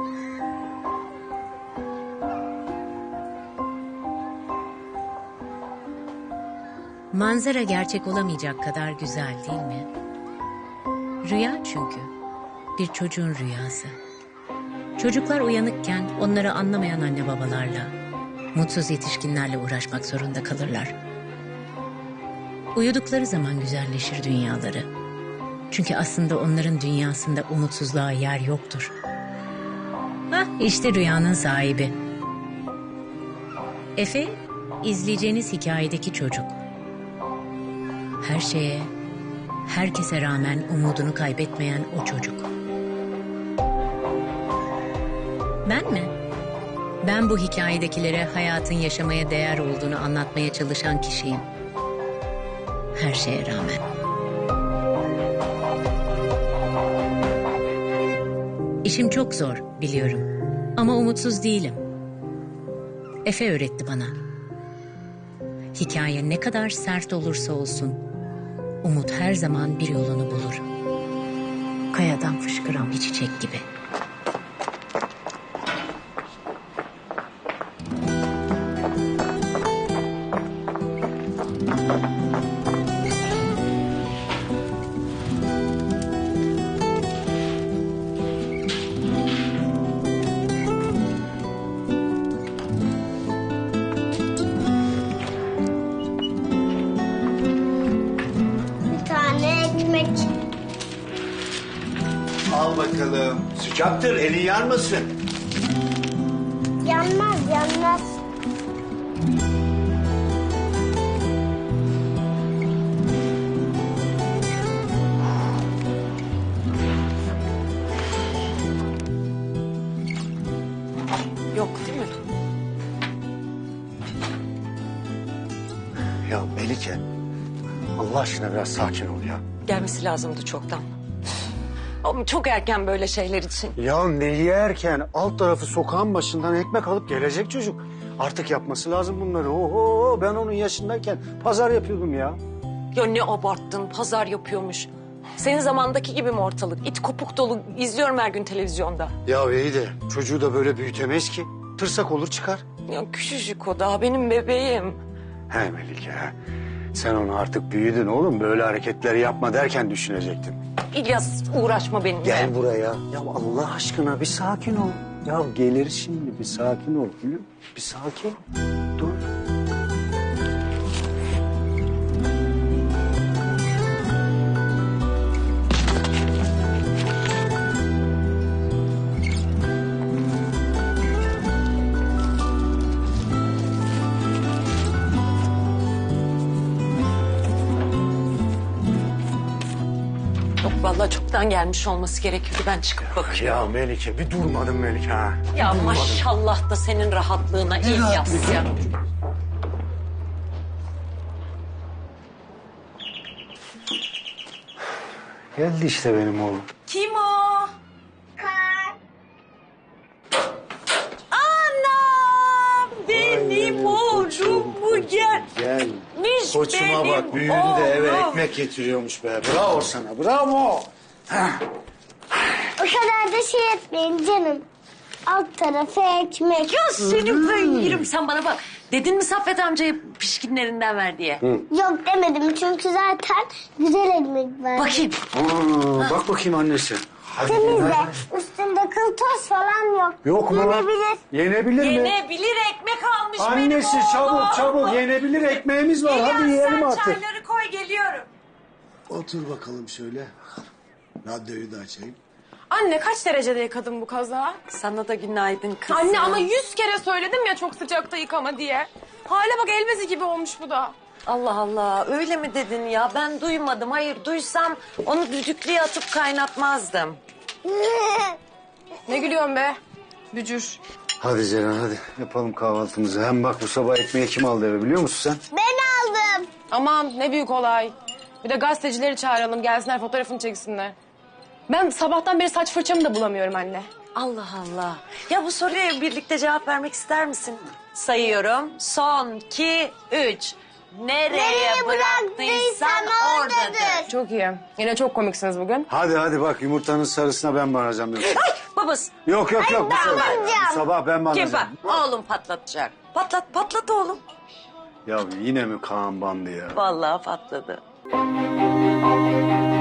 Manzara gerçek olamayacak kadar güzel değil mi? Rüya çünkü. Bir çocuğun rüyası. Çocuklar uyanıkken onları anlamayan anne babalarla, mutsuz yetişkinlerle uğraşmak zorunda kalırlar. Uyudukları zaman güzelleşir dünyaları. Çünkü aslında onların dünyasında umutsuzluğa yer yoktur. İşte rüyanın sahibi. Efe, izleyeceğiniz hikayedeki çocuk. Her şeye, herkese rağmen umudunu kaybetmeyen o çocuk. Ben mi? Ben bu hikayedekilere hayatın yaşamaya değer olduğunu anlatmaya çalışan kişiyim. Her şeye rağmen. İşim çok zor, biliyorum. Ama umutsuz değilim. Efe öğretti bana. Hikaye ne kadar sert olursa olsun, umut her zaman bir yolunu bulur. Kayadan fışkıran bir çiçek gibi. Al bakalım. Sıcaktır, elin yanmasın. Yanmaz, yanmaz. Yok değil mi? Ya Melike, Allah aşkına biraz sakin ol ya. Gelmesi lazımdı çoktan. Ama çok erken böyle şeyler için. Ya ne yerken alt tarafı sokağın başından ekmek alıp gelecek çocuk. Artık yapması lazım bunları. Oho, ben onun yaşındayken pazar yapıyordum ya. Ya ne abarttın, pazar yapıyormuş. Senin zamandaki gibi mi ortalık? İt kopuk dolu, izliyorum her gün televizyonda. Ya iyi de çocuğu da böyle büyütemeyiz ki. Tırsak olur çıkar. Ya küçücük o daha benim bebeğim. He Melike, he. Sen onu artık büyüdün oğlum. Böyle hareketleri yapma derken düşünecektin. İlyas uğraşma benimle. Gel buraya. Ya Allah aşkına bir sakin ol. Ya gelir şimdi, bir sakin ol. Gülüm. Bir sakin. Dur. Yok vallahi çoktan gelmiş olması gerekiyordu. Ben çıkıp bakıyorum. Ya Melike bir durmadın Melike ha. Ya maşallah da senin rahatlığına İlyas ya. Geldi işte benim oğlum. Kim o? Anam benim oğlum bu gel. Gel. Miş Koçuma benim bak büyüdü de eve oğlum. ekmek getiriyormuş be. Bravo sana bravo. O kadar da şey etmeyin canım. Alt tarafı ekmek. Ya senin ben yerim, sen bana bak. Dedin mi Saffet amcaya pişkinlerinden ver diye? Yok demedim çünkü zaten güzel ekmek var. Bakayım. Bak bakayım annesi. Hadi. Temiz de üstünde kıl toz falan yok. Yok mu? Yenebilir. Yenebilir mi? Yenebilir ekmek almış benim Annesi oğlum. çabuk yenebilir ekmeğimiz var. Hadi İlyas yiyelim sen artık. çayları koy geliyorum. Otur bakalım şöyle. Radyoyu da açayım. Anne kaç derecede yıkadın bu kazağı? Sana da günaydın kızım. Anne ama 100 kere söyledim ya çok sıcakta yıkama diye. Hale bak elbezi gibi olmuş bu da. Allah Allah öyle mi dedin ya? Ben duymadım. Hayır duysam onu düdüklüye atıp kaynatmazdım. Ne gülüyorsun be? Bücür. Hadi Ceren hadi yapalım kahvaltımızı. Hem bak bu sabah ekmeği kim aldı eve biliyor musun sen? Ben aldım. Aman ne büyük olay. Bir de gazetecileri çağıralım gelsinler fotoğrafını çeksinler. Ben sabahtan beri saç fırçamı da bulamıyorum anne. Allah Allah. Ya bu soruya birlikte cevap vermek ister misin? Sayıyorum. Son, 2, 3. Nereye bıraktıysan oradadır. Çok iyi. Yine çok komiksiniz bugün. Hadi bak yumurtanın sarısına ben varacağım yoksa. Ay babası. Yok yok yok. ben Bu alacağım. sabah ben mi Kim alacağım? Oğlum patlatacak. Patlat oğlum. Ya yine mi Kaan bandı ya? Vallahi patladı.